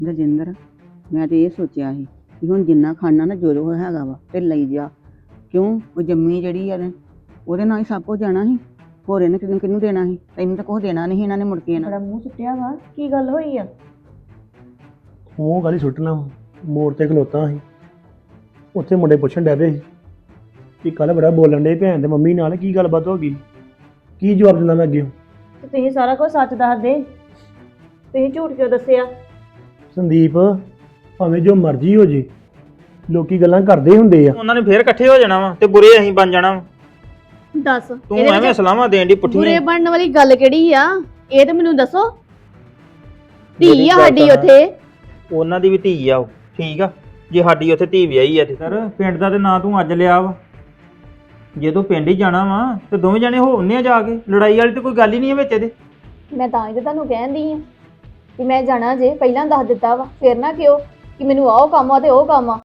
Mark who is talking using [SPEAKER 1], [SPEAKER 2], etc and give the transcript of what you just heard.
[SPEAKER 1] ਰਜਿੰਦਰ, ਮੈਂ ਤੇ ਇਹ ਸੋਚਿਆ ਸੀ ਕਿ ਹੁਣ ਜਿੰਨਾ ਖਾਣਾ ਨਾ ਜੋ ਜੋ ਹੈਗਾ ਵਾ ਤੇ ਲਈ ਜਾ। ਕਿਉਂ? ਉਹ ਜੰਮੀ ਜਿਹੜੀ ਆ ਨਾ, ਉਹਦੇ ਨਾਲ ਹੀ ਸਭ ਕੁਝ ਜਾਣਾ ਸੀ। ਹੋਰ ਇਹਨੇ ਕਿਹਨੂੰ ਕਿਹਨੂੰ ਦੇਣਾ ਸੀ? ਤੈਨੂੰ ਤਾਂ ਕੁਛ ਦੇਣਾ ਨਹੀਂ ਇਹਨਾਂ ਨੇ ਮੁੜ ਕੇ
[SPEAKER 2] ਬੜਾ ਮੂੰਹ ਸੁੱਟਿਆ ਵਾ, ਕੀ ਗੱਲ ਹੋਈ ਆ?
[SPEAKER 3] ਉਹ ਗੱਲ ਹੀ ਸੁੱਟਣਾ ਵਾ। ਮੋੜ ਤੇ ਖਲੋਤਾ ਸੀ, ਉੱਥੇ ਮੁੰਡੇ ਪੁੱਛਣ ਡੈ ਪਏ ਸੀ ਕਿ ਕੱਲ ਬੜਾ ਬੋਲਣ ਡੇ ਭੈਣ ਤੇ ਮੰਮੀ ਨਾਲ, ਕੀ ਗੱਲਬਾਤ ਹੋ ਗਈ? ਕੀ ਜਵਾਬ ਦਿੰਦਾ ਮੈਂ ਅੱਗੇ?
[SPEAKER 2] ਤੇ ਤੁਸੀਂ ਸਾਰਾ ਕੁਝ ਸੱਚ ਦੱਸ ਦੇ, ਤੁਸੀਂ ਝੂਠ ਕਿਉਂ ਦੱਸਿਆ?
[SPEAKER 3] ਸੰਦੀਪ, ਭਾਵੇਂ ਜੋ ਮਰਜ਼ੀ ਹੋ ਜੇ, ਲੋਕੀ ਗੱਲਾਂ ਕਰਦੇ ਹੁੰਦੇ ਆ।
[SPEAKER 4] ਉਹਨਾਂ ਨੇ ਫੇਰ ਇਕੱਠੇ ਹੋ ਜਾਣਾ ਵਾ ਤੇ ਬੁਰੇ ਅਸੀਂ ਬਣ ਜਾਣਾ ਵਾ।
[SPEAKER 5] ਦੱਸ
[SPEAKER 4] ਤੂੰ ਐਵੇਂ ਸਲਾਹਾਂ ਦੇਣ ਦੀ
[SPEAKER 5] ਬੁਰੇ
[SPEAKER 4] ਪੁੱਠੀਆਂ।
[SPEAKER 5] ਬਣਨ ਵਾਲੀ ਗੱਲ ਕਿਹੜੀ ਆ? ਇਹ ਤੇ ਮੈਨੂੰ ਦੱਸੋ। ਧੀ
[SPEAKER 4] ਮੇਰੀ
[SPEAKER 5] ਆ
[SPEAKER 4] ਗੱਲ
[SPEAKER 5] ਸਾਡੀ
[SPEAKER 4] ਤਾਂ
[SPEAKER 5] ਉੱਥੇ।
[SPEAKER 4] ਉਹਨਾਂ ਦੀ ਵੀ ਧੀ ਆ ਉਹ, ਠੀਕ ਆ। ਜੇ ਸਾਡੀ ਉੱਥੇ ਧੀ ਵਿਆਹੀ ਆ ਤੇ ਸਰ ਪਿੰਡ ਦਾ ਤੇ ਨਾਂ ਤੂੰ ਅੱਜ ਲਿਆ ਵਾ। ਜੇ ਤੂੰ ਪਿੰਡ ਹੀ ਜਾਣਾ ਵਾ ਤੇ ਦੋਵੇਂ ਜਣੇ ਹੋਣੇ ਆ ਜਾ ਕੇ। ਲੜਾਈ ਵਾਲੀ ਤੇ ਕੋਈ ਗੱਲ ਹੀ ਨਹੀਂ ਹੈ ਵਿੱਚ ਇਹਦੇ।
[SPEAKER 6] ਮੈਂ ਤਾਂ ਹੀ ਤੇ ਤੁਹਾਨੂੰ ਕਹਿੰਦੀ ਆ ਕਿ ਮੈਂ ਜਾਣਾ ਜੇ ਪਹਿਲਾਂ ਦੱਸ ਦਿੱਤਾ ਵਾ, ਫਿਰ ਨਾ ਕਿਉਂ ਕਿ ਮੈਨੂੰ ਆਹ ਕੰਮ ਆ ਤੇ ਉਹ ਕੰਮ ਆ।